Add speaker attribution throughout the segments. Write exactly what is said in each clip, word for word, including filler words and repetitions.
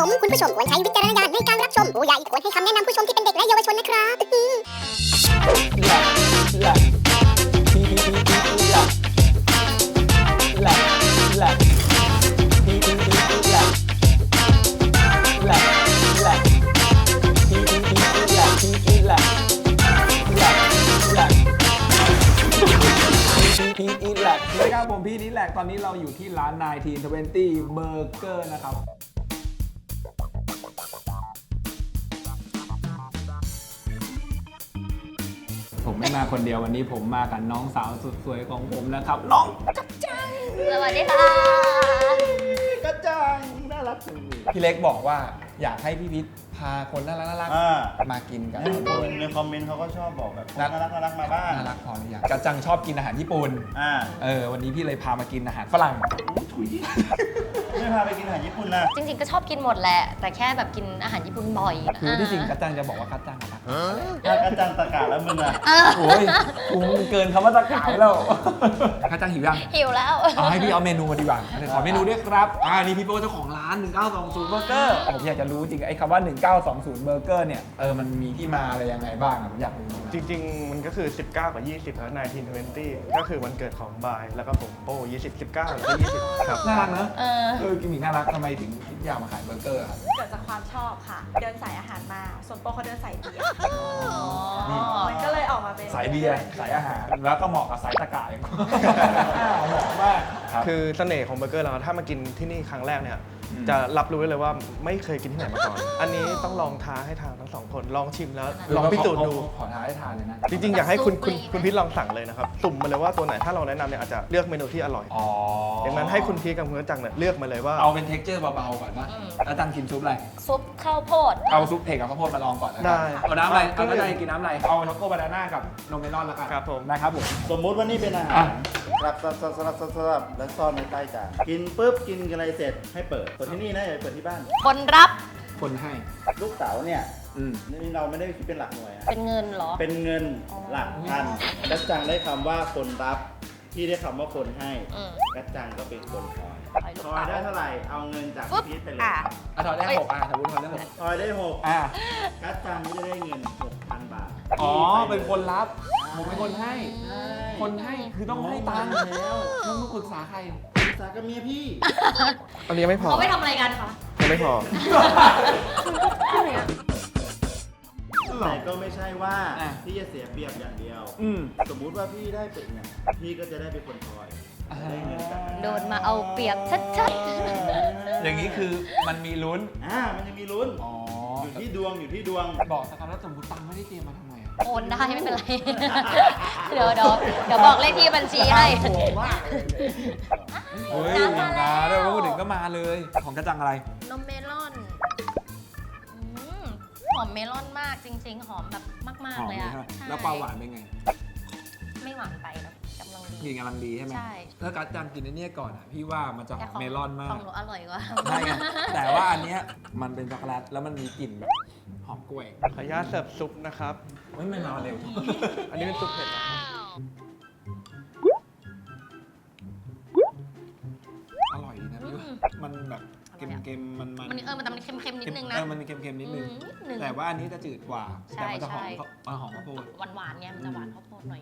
Speaker 1: มคุณผู้ชมควรใช้วิจารณญาณในการรับชมผู้ใหญ่ควรให้คำแนะนำผู้ชมที่เป็นเด็กและเยาวชนนะครับ
Speaker 2: แหละทีทีทีทีแหละแหละแหละทีทีทีทีแหละแหละแหละทีทีทีทีแหละทีทีแหละแหละแหละทีทีทีแหละสวัสดีครับผมพี่นิดแหลกตอนนี้เราอยู่ที่ร้านไนน์ทีนทเวนตี้เบอร์เกอร์นะครับผมไม่มาคนเดียววันนี้ผมมากับน้องสาวสุดสวยของผมนะครับน้องกัจจัง
Speaker 3: สวัสดีค่ะ
Speaker 2: กัจจังน่ารักจังพี่เล็กบอกว่าอยากให้พี่พิษพาคนน่ารักน่ารักมากินกัน
Speaker 4: คนในคอมเมนต์เขาก็ชอบบอกแบบน่ารักน่ารักมาบ้าง
Speaker 2: น่ารักพอหรือยังกัจจังชอบกินอาหารญี่ปุ่นอ่าเออวันนี้พี่เลยพามากินอาหารฝรั่ง
Speaker 4: ถุยไม่พาไปกินอาหารญี่ปุ่นนะ
Speaker 3: จริงๆก็ชอบกินหมดแหละแต่แค่แบบกินอาหารญี่ปุ่นบ่อย
Speaker 2: คือที่จริงกัจจังจะบอกว่ากัจจังอะ
Speaker 4: กัจจังตะกาแล้วมึงอะ
Speaker 2: โอ้ยกูมันเกินคำว่าตะกาแล้วกัจจังหิวยัง
Speaker 3: หิวแล้ว
Speaker 2: เอาให้พี่เอาเมนูมาดีกว่าขอเมนูด้วยครับอ่านี่พี่โป้เจ้าของร้านหนึ่งเก้าสองศูนย์เบอร์เกอร์ผมอยากจะรู้จริงไอ้คำว่าหนึ่งเก้าสองศูนย์เบอร์เกอร์เนี่ยเออมันมีที่มาอะไรยังไงบ้างผมอยากรู้
Speaker 5: จริงๆมันก็คือสิบเก้ากับยี่สิบแล้วไนน์ทีนทเวนตี้ก็คือวันเกิดของบายแล้วก็ผมโป้ยี่สิบ สิบเก้าแล้วก็ยี่สิบครับ
Speaker 2: น่ารักนะเออเออกิมมิกน่ารักทำไมถึงคิดอยากมาขายเบอร์เกอร์ครับ
Speaker 6: เกิดจากความชอบค่ะเดินสายอาหารมาส่วนโป้เขาเดินสายเบียร์มันก็เลยออกมาเป็น
Speaker 2: สายเบียร์สายอาหารแล้วก็เหมาะกับสายตะก่ายเหมาะมาก
Speaker 5: คือเสน่ห์ของเบอร์เกอร์เราถ้ามากินที่นี่ครั้งแรกเนี่ยจะรับรู้เลยว่าไม่เคยกินที่ไหนมาก่อนอันนี้ต้องลองท้าให้ทานทั้งสองคนลองชิมแล้วลองพิสูจน์ดู
Speaker 2: ขอท้าให้ทานเลยนะ
Speaker 5: จริงๆอยากให้คุณคุณคุณพิษลองสั่งเลยนะครับสุ่มมาเลยว่าตัวไหนถ้าเราแนะนำเนี่ยอาจจะเลือกเมนูที่อร่อยดังนั้นให้คุณพีกับคุณจังเนี่ยเลือกมาเลยว่า
Speaker 2: เอาเป็นเท็กเจอร์เบาๆก่อนนะแล้วจังกินซุปอะไร
Speaker 3: ซุปข้าวโพด
Speaker 2: เอาซุปเผ็ดกับข้าวโพดมาลองก่อนได้เอาน้ำอะไรเอาน้ำอะไรกินน้ำอะไรเอาช็อกโกบานาน่ากับนมเมลอนแล้วกัน
Speaker 5: ครับผม
Speaker 2: นะครับผม
Speaker 4: สมมุติว่านี่เป็นอาหารรับสลับสลับสลับสลับแล้วซ่อนในใต้จานกินปุ๊บกินอะไรเสร็จให้เปิดส่วนที่นี่นะอย่าเปิดที่บ้าน
Speaker 3: คนรับ
Speaker 2: คนให้
Speaker 4: ลูกเต๋าเนี่ยนี่เราไม่ได้คิดเป็นหลักหน่วยนะ
Speaker 3: เป็นเงินเหรอ
Speaker 4: เป็นเงินหลักพันกัจจังได้คำว่าคนรับพี่ได้คำว่าคนให้กัจจังก็เป็นคนคอยคอยได้เท่าไหร่เอาเงินจากพีทไปเลย
Speaker 3: อ่ะ
Speaker 2: ทอยได้หกอ่ะสมมติทอยได้หก
Speaker 4: ทอยได้หก
Speaker 2: อ่ะ
Speaker 4: กัจจังจะได้เงินหกพันบาท
Speaker 2: อ๋อเป็นคนรับผมเป็นคนให้คนให้คือต้องให้ตังค์แล้วต้องปรึกษาใคร
Speaker 4: ปรึกษากับเมียพี่
Speaker 5: อันนี้ไม่พอ
Speaker 3: เขาไม่ทำอะไรกันคะ
Speaker 5: ไม่พอ
Speaker 4: แต่ก็ไม่ใช่ว่าพี่จะเสียเปรียบอย่างเดียวสมมุติว่าพี่ได้เป็นเนี่ยพี่ก็จะได้เป็นคนคอยได้เงินจาก
Speaker 3: โดนมาเอาเปรียบชัด
Speaker 2: ๆอย่างนี้คือมันมีลุ้น
Speaker 4: อ่ามันยังมีลุ้นอยู่ที่ดวงอยู่ที่ดวง
Speaker 2: บอกสักคำแล้วสมมติตังค์ไม่ได้เตรียมมาทำไม
Speaker 3: โอนได้ไม่เป็นไรเดี๋ยวเดี๋ยวเดี๋ยวบอกเลขที่บัญชีให้
Speaker 2: โหมากเฮ้ยมาแล้วพูดถึงก็มาเลยของกระจังอะไร
Speaker 3: นมเมลอนหอมเมลอนมากจริงๆหอมแบบมากๆเลยอะ
Speaker 2: แล้วความหวานเป็นไง
Speaker 3: ไม่หวานไปนะกำลังดี
Speaker 2: กินกำลังดีใช่ไหม
Speaker 3: ใช่
Speaker 2: ถ้ากระจังกินในนี้ก่อนอ่ะพี่ว่ามันจะหอมเมลอนมาก
Speaker 3: ของหนูอร่อยกว่า
Speaker 2: ใช่แต่ว่าอันเนี้ยมันเป็นช็อกโกแลตแล้วมันมีกลิ่นแบบหอมกล้วย
Speaker 5: ขออนุญาตเสิร์ฟซุปนะครับ
Speaker 2: ไม่ไม่มาเร็ว
Speaker 5: อันนี้เป็นซุปเผ็ด
Speaker 2: อร่อยดีนะพี่มันแบบเค็มๆมันมัน
Speaker 3: เออมันแต่มันเค็มๆนิดนึงนะ
Speaker 2: เออมันมีเค็มๆนิดนึงแต่ว่าอันนี้จะจืดกว่าแต่มันจะหอมมันหอมข้าวโพด
Speaker 3: หวานๆไงมันจะหวานข้าวโพดหน่อย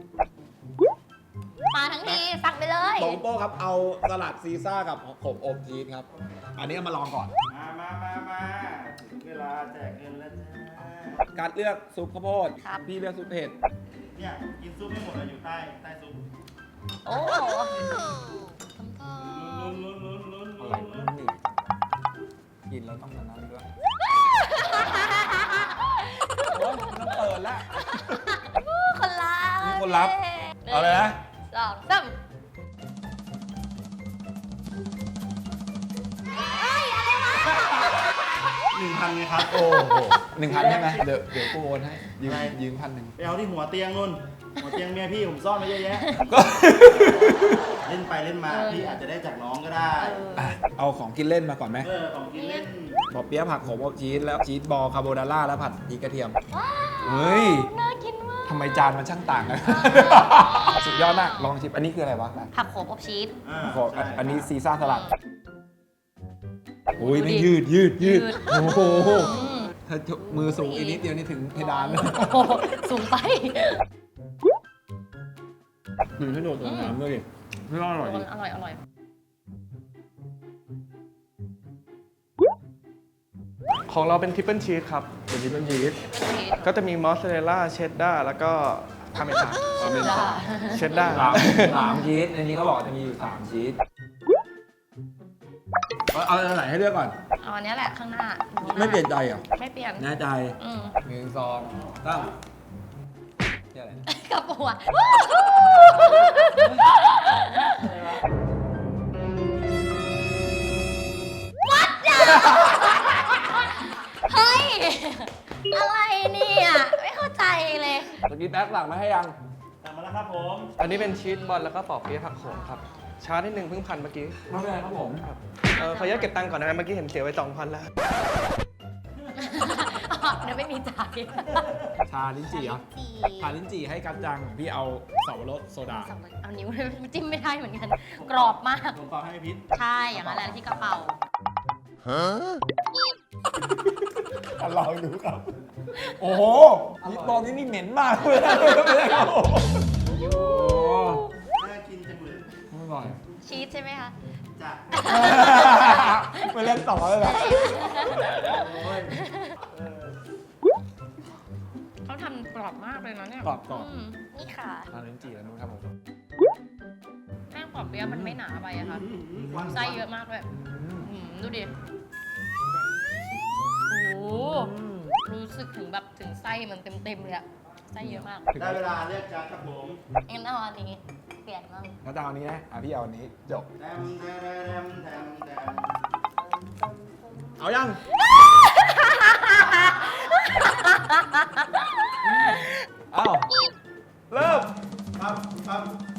Speaker 3: ๆมาทั้งทีสั่งไปเลย
Speaker 2: โตโป้ครับเอาสลัดซีซ่ากับผมอบชีสครับอันนี้มาลองก่อน
Speaker 4: มามามามาถึงเวลาแจกเงินแล้วจ้า
Speaker 2: การเลือกซุปข้าวโพดพี่เลือกซุปเผ็ด
Speaker 4: เนี่ยกินซุปไม่หมดแล้วอยู่ใต้ใต้ซุป
Speaker 3: โอ้
Speaker 2: อะไรนี่กินแล้วต้องนั้นด้วยโอ้ยต้องเปิดแล้ว
Speaker 3: คนรับ
Speaker 2: มีคนรับเอาเลยนะ
Speaker 3: สองสาม
Speaker 4: หนึ่งพันไงครับ
Speaker 2: โอ้โหหนึ่งพันใช่ไหมเดี๋ยวเดี๋ยวกูโอนให้ยืมยืมพันหนึ่ง
Speaker 4: ไปเอาที่หัวเตียงนู่นหัวเตียงเมียพี่ผมซ่อนไว้เยอะแยะเล่นไปเล่นมาพี่อาจจะได้จากน้องก็ได้
Speaker 2: เอาของกินเล่นมาก่อนไหม
Speaker 4: เออของกินเล่น
Speaker 2: บอเปี๊ยะผักโขมอบชีสแล้วชีสบอลคาโบนาร่าแล้วผัดพริกกระเทียม
Speaker 3: เฮ้ยน่ากินมาก
Speaker 2: ทำไมจานมันช่างต่างกันสุดยอดมากลองชิมอันนี้คืออะไรวะ
Speaker 3: ผักโขมอบชีส
Speaker 2: อันนี้ซีซ่าสลัดโอ้ยไม่ยืดยืดยืด
Speaker 3: ยืด
Speaker 2: โอ้โห
Speaker 3: อืม
Speaker 2: ถ้ามือสูงอีกนิดเดียวนี่ถึงเพดานเลย
Speaker 3: โอ้โหสูงไป
Speaker 2: ดูให้โดนตัวน้ำด้วยดิไม่อร่อยดิ
Speaker 3: อร่อยอร่อย
Speaker 5: ของเราเป็นทริปเปิลชีสครับ
Speaker 2: เป็นที่เป็นยีสต์
Speaker 5: ก็จะมีมอสซาเรลล่าเชดดาร์แล้วก็พาเมซาน
Speaker 2: เอาเป็น
Speaker 3: จ้า
Speaker 5: เชดดาร์
Speaker 2: สามสามชีสในนี้เขาบอกจะมีอยู่สามชีสเอาเอาอันไหนให้เลือกก่อน
Speaker 3: เอาอันเนี้ยแหละข้างหน้า
Speaker 2: ไม่เปลี่ยนใจเหรอ
Speaker 3: ไม่เปลี่ยน
Speaker 2: แน่ใจ
Speaker 3: อืม
Speaker 2: หนึ่งสองสามนี่อะไรนะ
Speaker 3: กระปัววัดจ้ะเฮ้ย อะไรเนี่ย ไม่เข้าใจเลย
Speaker 2: เมื่อกี้แป๊กสั่งมาให้ยัง
Speaker 4: สั่งมาแล้วครับผม
Speaker 5: อันนี้เป็นชีสบอลแล้วก็ปอบเปี๊ยะผักโขมครับ ช้านิดนึงเพิ่งพันเมื่อกี้
Speaker 2: ไม่เป็นไรครับผม
Speaker 5: เออขออนุญาตเก็บตังค์ก่อนนะเมื่อกี้เห็นเสียไว้สองพันแล้ว
Speaker 3: เดี๋ยวไม่มีจ่าย
Speaker 2: ชาลิ้นจี่เหรอชาลิ้นจี่ให้กัจจังพี่เอาสับปะรดโซดา
Speaker 3: เอานิ้วจิ้มไม่ได้เหมือนกัน กรอบมาก
Speaker 4: ลงต่อให้พิษ
Speaker 3: ใช่ อย่างนั้นแหละที่กระเป๋า
Speaker 2: ลองดูครับ โอ้โหนี่ตอนนี้นี่เหม็นมากเลยไม่ได้ครับผมโอ้
Speaker 4: น่ากินจังเลย
Speaker 2: อร่อย
Speaker 3: ชีสใช่ไหมคะ
Speaker 4: จ้ะ
Speaker 2: ไม่เล่นต่อเลยนะ
Speaker 3: เขาทำกรอบมากเลยนะเนี่ย
Speaker 2: กรอบกรอบ
Speaker 3: อืมนี่ค่ะ
Speaker 2: ชาลิ้นจี่แล้วนู้นครับผม
Speaker 3: แป้งปอบเปี๊ยะมันไม่หนาไปอะค่ะ ไส้เยอะมากเลยอืมดูดิ โอ้โห รู้สึกถึงแบบถึงไส้มันเต็มๆเลยอะไส้เยอะมาก
Speaker 4: ได้เวลาเลือกจานครับผม
Speaker 3: งั้นเอาอันนี้ เปลี่ยนบ้าง
Speaker 2: แล้วจะเอาอันนี้นะอ่ะพี่เอาอันนี้จบ
Speaker 4: แทมแทมแทมแทม
Speaker 2: เอายัง เอ้าเริ่ม
Speaker 4: ครับครับ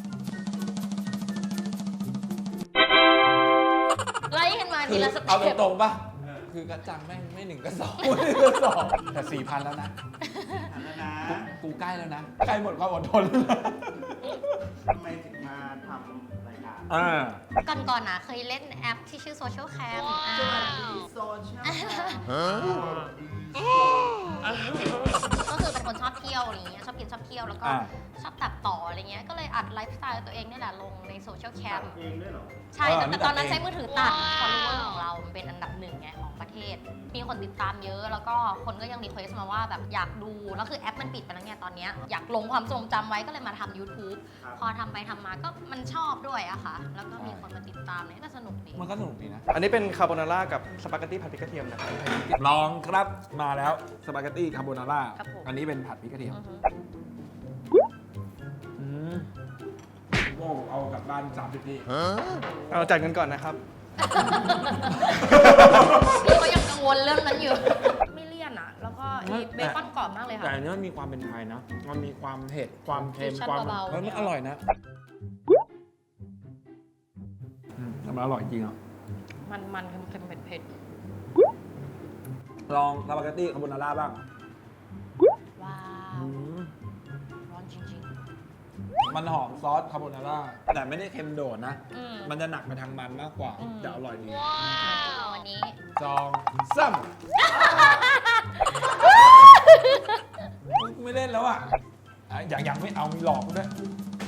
Speaker 3: ไล่กันมาทีละส
Speaker 2: เอา
Speaker 3: เต็ป
Speaker 2: ตรงๆป่ะ คือกระจังแม่งไม่หนึ่งก็สองไม่หนึ่งก็สองแต่สี่พันแล้วนะ
Speaker 4: หันแล้วนะ
Speaker 2: กูใกล้แล้วนะ ใกล้หมดความอดทน
Speaker 4: ทำไมถึงมาทำรายการ
Speaker 2: อ่า
Speaker 3: ก่อนก่อนๆนะเคยเล่นแอปที่ชื่อ Social Cam
Speaker 4: สวัสดีโซเชียล
Speaker 3: ก็คือเป็นคนชอบเที่ยวอะไรเงี้ยชอบกินชอบเที่ยวแล้วก็
Speaker 2: อ่า
Speaker 3: ชอบตัดต่ออะไรเงี้ยก็เลยอัดไลฟ์สไตล์ตัวเองนี่แหละลงในโซเชียลแคม
Speaker 4: เองด้วยเหรอ
Speaker 3: ใช่
Speaker 2: เออ
Speaker 3: แต่
Speaker 2: นี่
Speaker 3: ตอนนั้น
Speaker 2: ตัดเอง
Speaker 3: ใช้มือถือตัด follower ของเรามันเป็นอันดับหนึ่งไงของประเทศ มีคนติดตามเยอะแล้วก็คนก็ยังรีเควสมาว่าแบบอยากดูแล้วคือแอปมันปิดไปแล้วไงตอนเนี้ยอยากลงความทรงจำไว้ก็เลยมาทำ YouTube
Speaker 4: ครับ
Speaker 3: พอทำไปทำมาก็มันชอบด้วยอะค่ะ แล้วก็มีคนมาติดตามเนี่ยก็สนุกดี
Speaker 2: มันก็สนุกดีนะ
Speaker 5: อันนี้เป็นคาโบนาร่ากับสปาเกตตี้ผัดพริกกระเทียมนะครับ
Speaker 2: ลองครับมาแล้วสปาเกตตี้คาโบนาร่า
Speaker 3: ครับผม
Speaker 2: อันนี้เป็นผัดพริกกระเทียม
Speaker 3: อือฮึ
Speaker 2: อืมโว้เอากลับบ้านสามสิบที่
Speaker 5: เอาจ่ายเงินก่อนนะครับ
Speaker 3: พี่ก็ยังกังวลเรื่องนั้นอยู่ ไม่เลี่ยนอะแล้วก็ไอ้เบคอนกรอบมากเลย
Speaker 2: แต่
Speaker 3: ค่ะ
Speaker 2: อันนี้มันมีความเป็นไทยนะ มันมีความเผ็ด ความเค็ม
Speaker 3: ฟิวชั่น
Speaker 2: ความ
Speaker 3: เบาๆ
Speaker 2: เฮ้ยมันอร่อยนะอืมแต่มันอร่อยจริงอ่ะ
Speaker 3: มันมันๆเค็มๆเผ็ด
Speaker 2: ลองสปาเกตตี้คาโบนาร่าบ้าง
Speaker 3: ๆว้าว
Speaker 2: อืม
Speaker 3: ร้อนจริง
Speaker 2: มันหอมซอสคาโบนาร่า แต่ไม่ได้เค็มโดดนะ
Speaker 3: ๆอืม
Speaker 2: มันจะหนักไปทางมันมากกว่า
Speaker 3: อืม
Speaker 2: แต่อร่อยดี
Speaker 3: เอาวันนี้
Speaker 2: จองซ้ำไม่เล่นแล้วอ่ะอ่ะอย่างอย่างไม่เอามีหลอกกูด้วย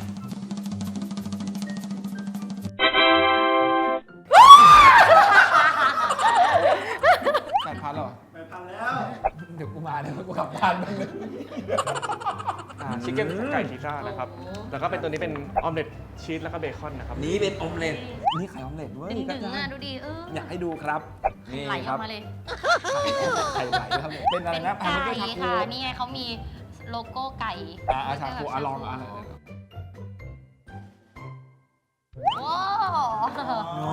Speaker 2: แปดพันเหรอ
Speaker 4: ไปทำแล้ว
Speaker 2: เดี๋ยวกูมาเดี๋ยวกูกลับบ้านบ้างเลย
Speaker 5: ชิคเก้นไก่ซีซ่านะครับ แล้วก็เป็นตัวนี้เป็นออมเล็ตชีสแล้วก็เบคอนนะครับ
Speaker 2: นี่เป็นออมเล็ตนี่ไข่ออมเล็ตด้วย
Speaker 3: ดึง
Speaker 2: กระ
Speaker 3: ดึง
Speaker 2: จา
Speaker 3: อ่ะ
Speaker 2: ย
Speaker 3: ดูดิเออ
Speaker 2: อยากให้ดูครับนี่
Speaker 3: ไหลอ
Speaker 2: ค
Speaker 3: อ
Speaker 2: รั
Speaker 3: ก
Speaker 2: บ
Speaker 3: มาเลย
Speaker 2: ไข่ไหลครับผมเป็นอะไร
Speaker 3: เป็น
Speaker 2: นะ
Speaker 3: ไก่
Speaker 2: ไม่ใช่ทา
Speaker 3: ค่ะ
Speaker 2: โก
Speaker 3: นี่ไงเขามีโลโก้ไก่
Speaker 2: อ่าอาชาโคอ่ะลองอ่ะ
Speaker 3: โอ้
Speaker 2: อ๋อ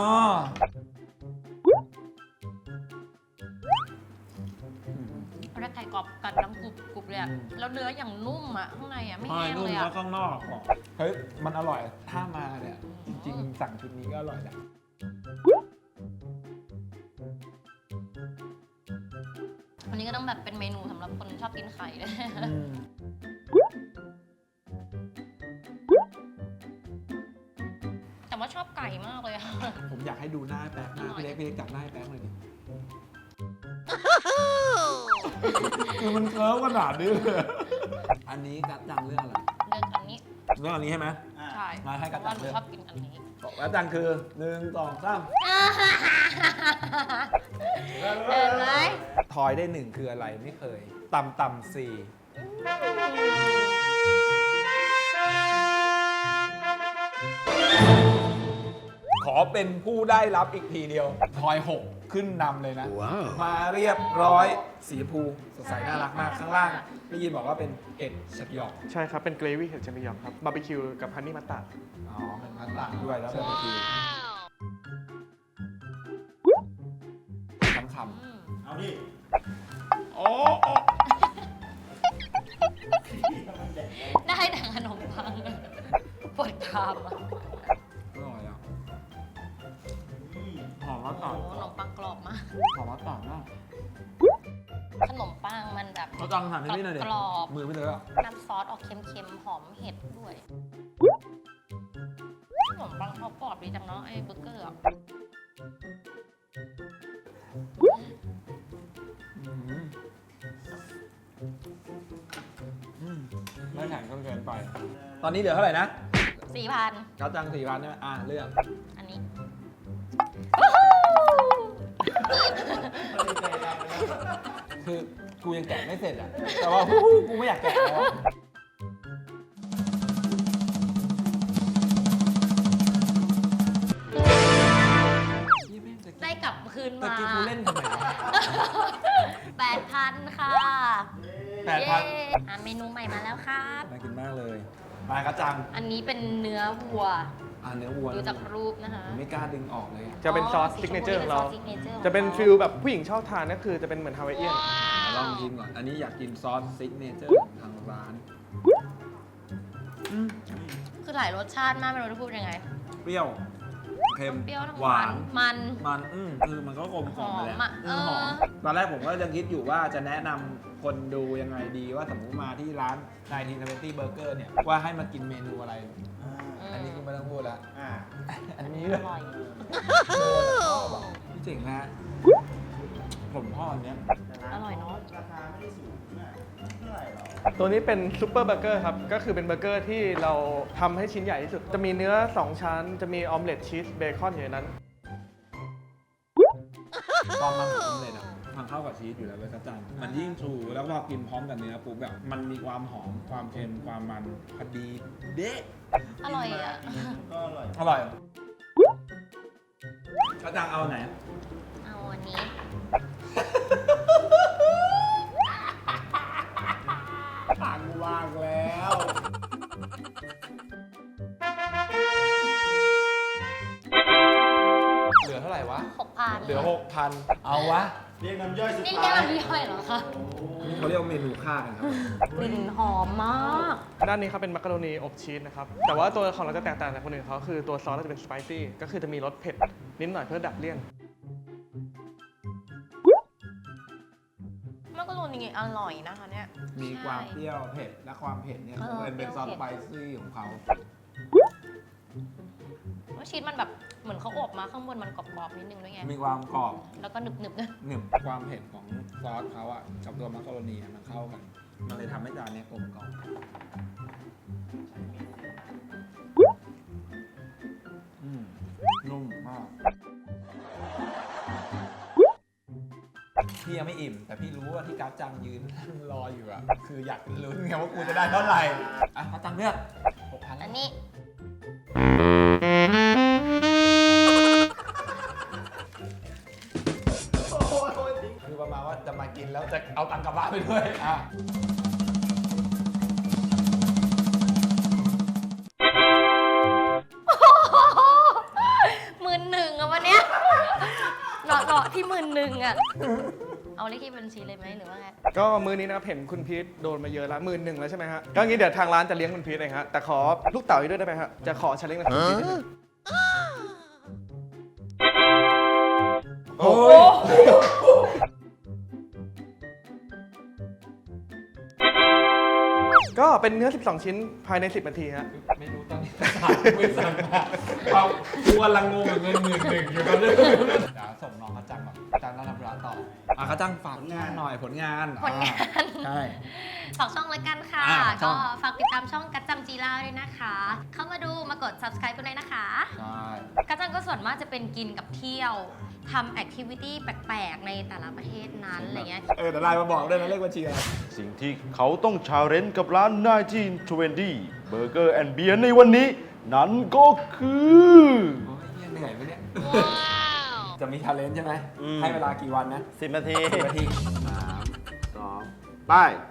Speaker 3: แล้วไก่กรอบกัดดังกรุบกรุบเลยอะแล้วเนื้ออย่างนุ่มอะข้างในอะไม่
Speaker 2: ใช่
Speaker 3: แห้ง
Speaker 2: นุ่ม
Speaker 3: เลย
Speaker 2: แล้
Speaker 3: อะ
Speaker 2: วข้างนอกอ่ะเฮ้ยมันอร่อยถ้ามาเนี่ยจริงๆสั่งชุดนี้ก็อร่อยแหละ
Speaker 3: อันนี้ก็ต้องแบบเป็นเมนูสำหรับคนชอบกินไข่เลย
Speaker 2: อืม
Speaker 3: แต่แต่ว่าชอบไก่มากเลยอะ
Speaker 2: ผมอยากให้ดูหน้าแป๊บหน้าพี่เล็กพี่เล็กจับหน้าให้แป๊บเลยดิคือมันเคิร์ฟขนาดนี้เลยอันนี้กัดจังเรื่องอะไร
Speaker 3: เลือกอันนี้
Speaker 2: เรื่องอันนี้ใช่ไหม
Speaker 3: ใช่
Speaker 2: มาให้กัด
Speaker 3: เพราะ
Speaker 2: จั
Speaker 3: ว่าง หนู
Speaker 2: เลือก
Speaker 3: ชอบกินอันนี้
Speaker 2: กัดจังคือหนึ่งสองสาม
Speaker 3: เห็นไหม
Speaker 2: ทอยได้หนึ่งคืออะไรไม่เคย ต่ำต่ำสี่ขอเป็นผู้ได้รับอีกทีเดียว ทอยหกขึ้นนำเลยนะ มาเรียบร้อยสีชมพูสดใสน่ารักมากข้างล่างได้ยินบอกว่าเป็นเอ็ดชักยอก
Speaker 5: ใช่ครับ เป็นเกรวี่เห็ดเจมิยองครับ บาร์บีคิวกับฮันนี่มัตตาร์ด
Speaker 2: อ๋อเป็นพันต่างด้วยแล้วเป็นคือคำค
Speaker 3: อืม
Speaker 4: เอาดิ
Speaker 2: ำโอ้
Speaker 3: ได้แต่ขนมปังปวดคามอะ
Speaker 2: อร่อยอ่ะหอมมะ
Speaker 3: โอ้
Speaker 2: กาด
Speaker 3: โหขนมปังกรอบมาก
Speaker 2: หอมมะกาดมาก
Speaker 3: ขนมปังมันแบบ
Speaker 2: เขาจังหันให้พี่หน่อยดิ
Speaker 3: กรอบ
Speaker 2: มือไม่เลยอ่ะ
Speaker 3: น้ำซอสออกเค็มๆ หอมเห็ดด้วย ขนมปังเขากรอบดีจังเนาะไอ้เบอร์เกอร์อะ
Speaker 2: อืมอืมไม่แข็งจนเกินไป ตอนนี้เหลือเท่าไหร่นะ
Speaker 3: สี่พัน
Speaker 2: เขาจังสี่พันใช่ไหมอ่ะเลือก
Speaker 3: อันนี้
Speaker 2: คือกูยังแกะไม่เสร็จอ่ะ แต่ว่า กูไม่อยากแกะแล้วอะ
Speaker 3: ได้กลับคืน
Speaker 2: ตะ
Speaker 3: มา
Speaker 2: กี้กูเล่นทำไมวะ
Speaker 3: แปดพันค่ะ
Speaker 2: แปดพัน
Speaker 3: เย้อ่ะเมนูใหม่มาแล้วครับ
Speaker 2: น่ากินมากเลย มากระจัง
Speaker 3: อันนี้เป็นเนื้อวัว
Speaker 2: อ่าเนื้อวัว
Speaker 3: ดูจากรูปนะคะ
Speaker 2: ไม่กล้าดึงออกเลยอะ
Speaker 5: จะเป็นซอส
Speaker 3: สี
Speaker 5: ซิก
Speaker 3: ช
Speaker 5: เน
Speaker 3: ม
Speaker 5: เจอร์ของเรา
Speaker 3: ซส signature
Speaker 5: จะเป็น
Speaker 3: ของขา
Speaker 5: ฟิลแบบผู้หญิงชอบทานก็คือจะเป็นเหมือนฮาวายเอียน
Speaker 2: ลองชิมก่อน อันนี้อยากกินซอสซิกเนเจอร์ของทางร้านอืม
Speaker 3: คือหลายรสชาติมากไม่รู้จะพูดยังไง
Speaker 2: เปรี้ยว เค็ม
Speaker 3: เปรี้ยวทั้ง
Speaker 2: หวาน
Speaker 3: มัน
Speaker 2: มันอืมคือมันก็กลมกล่อมไปแหล้ว
Speaker 3: หอมอะ
Speaker 2: เออหอม
Speaker 3: เออ
Speaker 2: ตอนแรกผมก็ยังคิดอยู่ว่าจะแนะนำคนดูยังไงดีว่าสมมติมาที่ร้านไนน์ทีนเวนตี้เบอร์เกอร์เนี่ย ว่าให้มากินเมนูอะไร
Speaker 4: อ่า
Speaker 2: อันนี้ก็ไม่ต้องพูดละ
Speaker 4: อ่า
Speaker 2: อันนี้
Speaker 3: อ
Speaker 2: เลย
Speaker 3: ร่อย
Speaker 2: พี่เจ๋งนะ ผมพ่ออันเนี้ย
Speaker 3: อร่อยเนอะ
Speaker 4: ราคาไม่ได้สูงนะไม่เท่าไหร่หรอก
Speaker 5: ตัวนี้เป็นซูเปอร์เบอร์เกอร์ครับ ก็คือเป็นเบอร์เกอร์ที่เราทำให้ชิ้นใหญ่ที่สุด จะมีเนื้อ สอง ชั้น จะมีออมเล็ตชีสเบคอนอยู่ในนั้น
Speaker 2: ความมันของเลยนะมันเข้ากับชีสอยู่แล้วเลยกระจังมันยิ่งชูแล้วพอกินพร้อมกับเนื้อปุ๊บแบบมันมีความหอมความเค็มความมันพอดีเด๊ะ
Speaker 3: อร่อยอ่ะ
Speaker 4: ก็อร่อย
Speaker 2: อร่อยกระจังเอาไหน
Speaker 3: เอาอันนี้
Speaker 2: ตังว่างแล้ว เหลือเท่าไหร่วะ
Speaker 3: หกพัน
Speaker 2: เหลือหกพันเอาวะ
Speaker 4: เรียกน้ำย่อยสุด
Speaker 3: นี่
Speaker 4: ท้า
Speaker 3: แค่
Speaker 4: ย
Speaker 3: มันย่อยเหรอคะ
Speaker 2: นี่เขาเรียกว่าเมนูค่ากันครับ
Speaker 3: กลิ่นหอมมาก
Speaker 5: ด้านนี้ครับเป็นมักกะโรนีอบชีสนะครับ แต่ว่าตัวของเราจะแตกต่างจากคนอื่นเขาคือตัวซอสเราจะเป็นสไปซี่ ก็คือจะมีรสเผ็ดนิดหน่อยเพื่อดับเลี่ยน
Speaker 3: มักกะโรนีอร่อยนะคะเนี่ย
Speaker 2: มีความเปรี้ยวเผ็ดและความเผ็ดเนี่ย
Speaker 3: เออ
Speaker 2: เป็นเป็นซอส
Speaker 3: เปรี้ยว
Speaker 2: สไป
Speaker 3: เผ็ด
Speaker 2: ซี่ของเขา
Speaker 3: ว่าชีสมันแบบเหมือนเขาอบมาข้างบนมันกรอบๆนิดนึงด้วยไง
Speaker 2: มีความกรอบ
Speaker 3: แล้วก็หนึบๆนะ
Speaker 2: หนึบความเผ็ดของซอสเขาอะกับตัวมักกะโรนีอะมันเข้ากัน มันเลยทำให้จานเนี้ยกลมกล่อมอืมนุ่มมาก พี่ยังไม่อิ่ม แต่พี่รู้ว่าที่กัฟจังยืนนั่งรออยู่อะคืออยากลุ้นไงว่ากูจะได้เท่าไหร่อ่ะกัฟจังเลือกหกพัน
Speaker 3: อันนี้
Speaker 2: คือประมาณว่าจะมากินแล้วจะเอาตังค์กลับบ้านไปด้วยอ่ะ
Speaker 3: หมื่นหนึ่งอะวันเนี้ยเนาะเนาะที่หมื่นหนึ่งอะเอาเลขที่บัญชีเลยไหมหรือว่าไง
Speaker 5: ก็มือนี้นะครับเห็นคุณพีทโดนมาเยอะแล้วหมื่นหนึ่งแล้วใช่ไหมฮะ ก็งี้เดี๋ยวทางร้านจะเลี้ยงคุณพีทเองฮะ แต่ขอลูกเต๋าอีกด้วยได้ไหมฮะ จะขอชาเลนจ์กับคุณพีทนิดนึง
Speaker 2: โอ้ย
Speaker 5: ก็ก็เป็นเนื้อ สิบสอง ชิ้นภายใน สิบ นาทีฮะ
Speaker 2: ไม่รู้ตอนนี้ถามไม่สั่งมาความกูกำลังงงกับเงินหมื่นหนึ่งอยู่กันเลยเดี๋ยวส่งน้องกระจังก่อนกระจังต้องทำร้านต่ออ่ะกระจังฝากงานหน่อยผลงาน
Speaker 3: ผลงาน
Speaker 2: ใช่
Speaker 3: ฝากช่องแล้วกันค่ะ
Speaker 2: อ่าช่
Speaker 3: ก็
Speaker 2: อง
Speaker 3: ฝากติดตามช่องกัจจังจีราด้วยนะคะ เข้ามาดูมากด subscribe กันด้วยนะคะ
Speaker 2: ใช่
Speaker 3: กัจจังก็ส่วนมากจะเป็นกินกับเที่ยวทำแอคทิวิตี้แปลกๆ ในแต่ละประเทศนั้นอะไรเงี้ย
Speaker 2: เออแต่ไลน์มาบอกด้วยนะเลขบัญชีอะไร
Speaker 4: สิ่งที่เขาต้องชาเลนจ์กับร้านหนึ่งพันเก้าร้อยยี่สิบ Burger and Beer ในวันนี้ นั้นก็คือ
Speaker 2: โอ้ยเหี้ยเหนื่อยไหมเนี่ยจะมีชาเลนจ์ใช่ไหม
Speaker 4: อืม
Speaker 2: ให้เวลากี่วันนะ
Speaker 4: สิบ นาที
Speaker 2: สิบนาที
Speaker 4: สามสองไป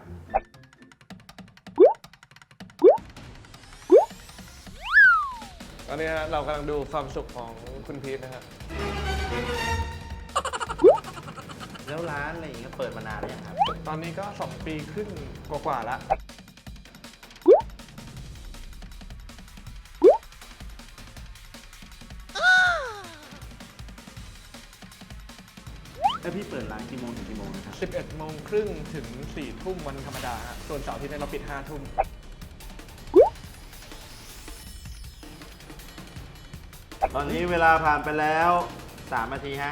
Speaker 5: ตอนนี้ฮะเรากำลังดูความสุขของคุณพีทนะฮะ
Speaker 4: แล้วร้านอะไรอย่างเงี้ยเปิดมานานแล้วยังครับ
Speaker 5: ตอนนี้ก็ สอง ปีครึ่งกว่าๆแล้ว
Speaker 4: แล้วพี่เปิดร้านกี่โมงถึงกี่โมงนะครับ
Speaker 5: สิบเอ็ด โมงครึ่งถึง สี่ ทุ่มวันธรรมดาฮะส่วนเสาร์อาที่นี้เราปิด ห้า ทุ่ม
Speaker 4: ตอนนี้เวลาผ่านไปแล้วสามนาทีฮะ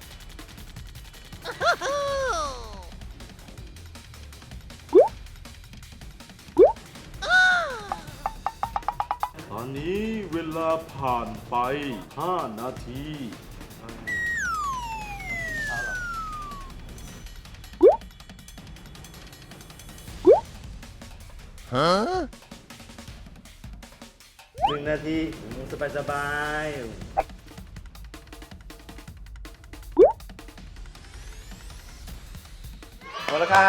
Speaker 4: ตอนนี้เวลาผ่านไป ห้า นาทีหนึ่งนาทีสบายสบายๆหมดแล้วค่ะ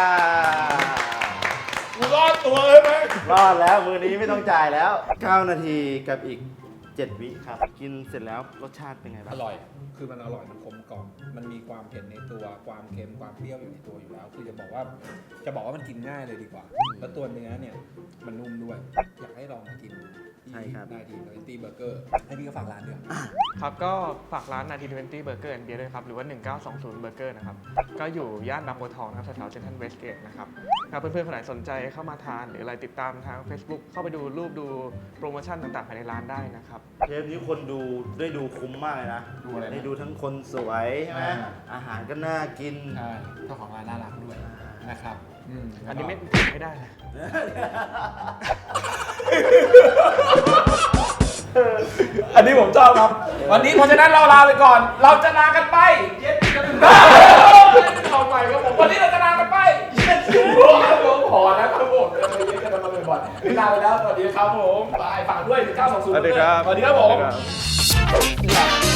Speaker 2: กูรอดตัวเลยไหม
Speaker 4: รอดแล้วมือนี้ไม่ต้องจ่ายแล้ว เก้า นาทีกับอีก เจ็ด วิครับ กินเสร็จแล้วรสชาติเป็นไงบ้าง
Speaker 2: อร่อย คือมันอร่อย มันกลมกล่อม มันมีความเผ็ดในตัว ความเค็ม ความเปรี้ยวอยู่ในตัวอยู่แล้ว คือจะบอกว่า จะบอกว่ามันกินง่ายเลยดีกว่า แล้วตัวเนื้อเนี่ย มันนุ่มด้วย อยากให้ลองมากิน
Speaker 4: ใช่ครับ
Speaker 2: ได้ทีนตี้เบอร์เกอร์ ให้พี่ก็ฝากร้านด้วย
Speaker 5: ครับก็ฝากร้านนาทีทเวนตี้เบอร์เกอร์แอนด์เบียร์ด้วยครับ หรือว่า หนึ่งเก้าสองศูนย์เบอร์เกอร์นะครับ ก็อยู่ย่านบางบัวทองนะครับแถวๆเซ็นทรัลเวสเกตนะครับถ้าเพื่อนๆคนไหนสนใจเข้ามาทาน หรืออะไรติดตามทาง Facebook เข้าไปดูรูปดูโปรโมชั่นต่างๆภายในร้านได้นะครับ
Speaker 4: เทปนี้คนดูได้ดูคุ้มมากเลยนะ
Speaker 2: ดูอะไรนะ
Speaker 4: ได้ดูทั้งคนสวยใช่ไหม
Speaker 2: อ่า
Speaker 4: อาหารก็น่ากิน
Speaker 2: ใช่เจ้าของร้านน่ารักด้วยนะครับอืม
Speaker 5: อันนี้ไม่ไม่ได้เลย
Speaker 2: อันนี้ผมชอบครับ วันนี้เพราะฉะนั้นเราลาไปก่อน เราจะลากันไปเย็นกันเข้าไปครับผมวันนี้เราจะลากันไปเย็นกันผมขอนะครับผมเย็นกันมาบ่อยๆลาไปแล้วสวัสดีครับผมบายฝากด้วยหนึ่งเก้าสองศูนย์
Speaker 5: สวัสดีครับ
Speaker 2: สวัสดีครับผม
Speaker 5: สวัสดีครับ